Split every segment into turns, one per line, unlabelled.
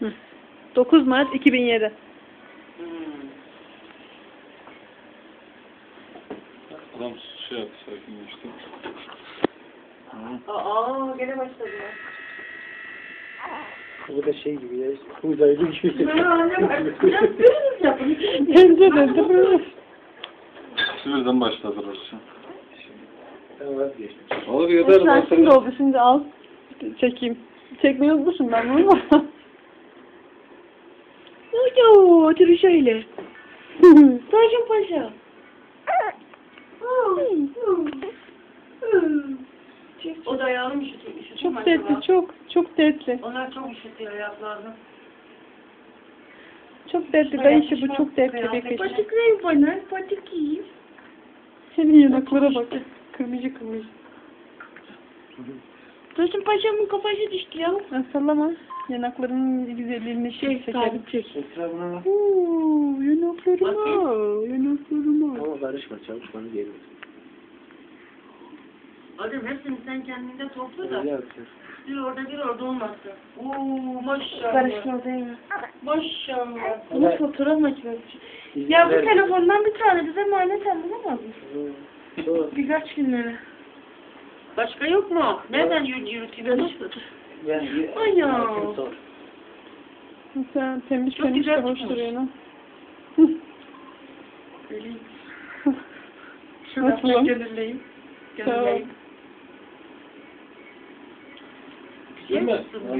9 Mart 2007.
Adam şey yaptı, sakinleşti.
Gene başladı ya.
Bu da şey gibi ya, uzaylı gibi.
Bence de.
Sivri'den başladı orası.
Ben vazgeçtim.
Olur yeter.
Şimdi oldu, şimdi al. Çekeyim. Çekmeyi unutmuşum ben bunu ama.
Ooo, otur şöyle. Taşın paşa. O da ayağını üşütüyor.
Çok dertli, çok dertli.
Onlar çok üşütüyor ayaklarını.
Çok dertli, ben işi bu çok dertli bir kış.
Patikleyin bana, patikleyin.
Senin yanaklara bak. Kırmızı kırmızı.
Taşın paşamın kafası düştü ya.
Sallama. Yanaklarının güzelliğini çekelim.
Sabit çek.
Etrafına bak.
Yanaklarıma.
Ama karışma, çabuk bana gelmez.
Adem hepsini sen kendinde topla da.
Öyle yapıyor.
Bir orada olmazsa. Oo maşallah.
Karışma değil mi?
Maşallah. Bunu fotoğraf makinesi. Ya bu telefondan bir tane bize emanet alınamaz mı? Birkaç günlere. Başka yok mu? Nereden yürütüyorsun? Ay ya.
Sen temiz
Çok
temiz
güzel
de hoş
tutmuş.
duruyor lan.
Şuradan gönülleyim. Gönülleyim.
Değil mi?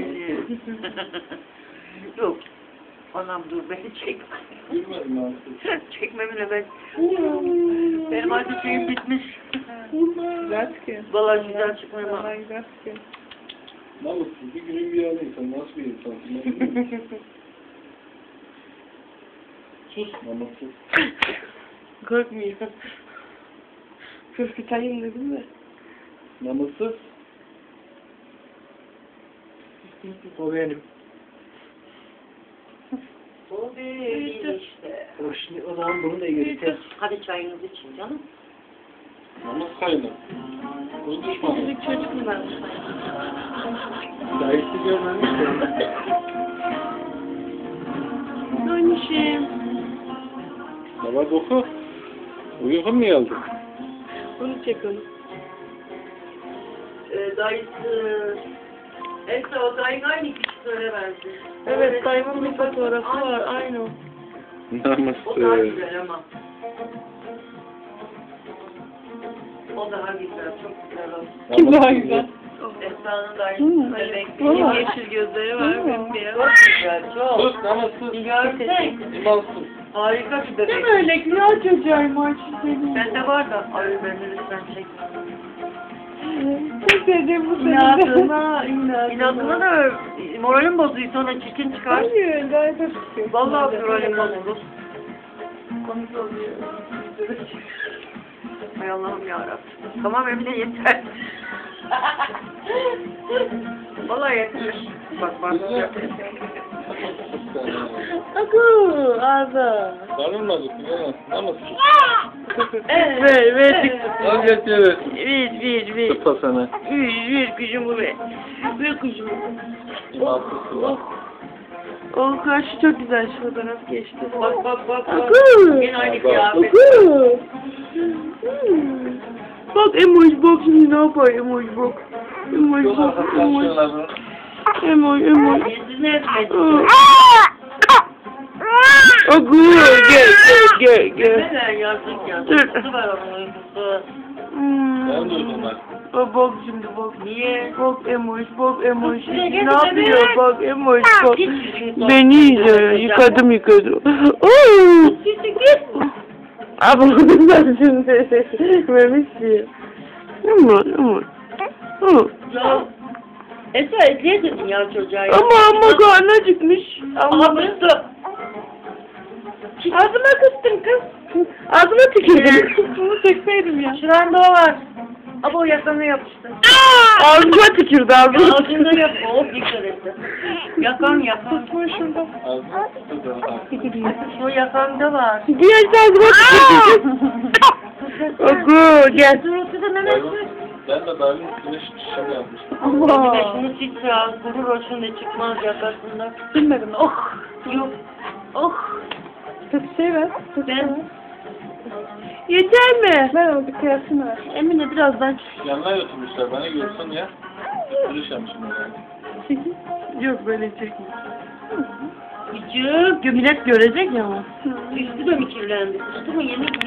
Yok. Anam dur beni çekme.
Bilmedim ben.
Çekmemle ben. Benim artık şeyim bitmiş.
Güzel.
Vallahi güzel çıkmıyor ama.
Vallahi güzel.
Namussuz bir günün bir yanı insan. Nasıl bir insansın? Sus namussuz.
Korkmuyor. Korkutayım dedim de.
Namussuz.
O benim.
O değil işte.
O şimdi o zaman bunu da göster.
Hadi çayınızı için canım.
Namus kaydı. Bu düşmanı.
Çocuk çocuk mu ben?
Dayısı görmemiş de.
Dönüşüm.
Ne var doku? Uyuyor mu geldi?
Bunu çek onu. Dayısı. Esra o dayın aynı küçüklere benziyor. Evet dayımın bir fotoğrafı var aynı o. O daha
Namussuz.
güzel ama. O daha güzel, çok güzel o.
Kim daha güzel?
Esra'nın dayısı
Valla.
yeşil gözleri var, bembeyaz. Çok güzel, çok.
Sus namussuz.
Gerçekten.
İmansız.
Harika bir bebek.
Değil mi öyle? Güzel çocuğum var senin.
Bende var da, ay beni lütfen çek.
Çok sevdiğim bu senin.
İnadına da moralim bozuyor, sonra çirkin çıkar.
Hayır, gayet hoş çıkıyor.
Vallahi moralim bozulur. Komik oluyor. Hay Allah'ım yarabbim. Tamam Emine yeter. Vallahi yeter. Bak. Akı ağzı.
Darılmadık ya. Namussuz.
Ver.
Al getir.
Ver.
Tıpa sana.
Ver kuşumu ver. Ver kuşumu.
İmansızsın bak.
O karşı çok güzel şu fotoğraf geçti. Bak. Yine aynı
Bak.
kıyafet. Bak emoji bak şimdi ne yapar emoji bak. Emoji bak. Emoji. Yüzünü etmedi. Agu gel. Neden yazık ya? Uykusu var onun uykusu.
Ben duydum ben.
Bak şimdi bak. Niye? Bak emoji. Ne yapıyor bak emoji bak. Beni yıkadım. Ama ben şimdi memiş diye. Ama. Esra ekleyesin ya çocuğa. Ama karnı acıkmış. Ama ağzıma kıstın kız. Ağzıma tükürdüm.
Bunu çekseydim ya.
Şuranda o var. Ama o yakana yapıştı.
Ağzıma tükürdü ağzıma.
Ağzında yapma. O dikkat etti. Yakan.
Tutma şurada.
O yakanda var.
Diğer ağzıma tükürdü. Oku gel.
Suratı da Mehmet.
Ben de daha üstüne şişem yapmıştım.
Allah.
Şunu sil al, gurur olsun da çıkmaz yakasından.
Bilmedim. Oh.
Yok. Oh.
Kötü şey ver. Kötü şey ver.
Yeter mi?
Ver o bir kıyasını ver.
Emine birazdan
Yanına götürmüşler. Beni görsün ya. Görüşemişim herhalde.
Çekil.
yok böyle çekme. Küçük, millet görecek ya ama. Üstü de mi kirlendi? Üstü mü yemek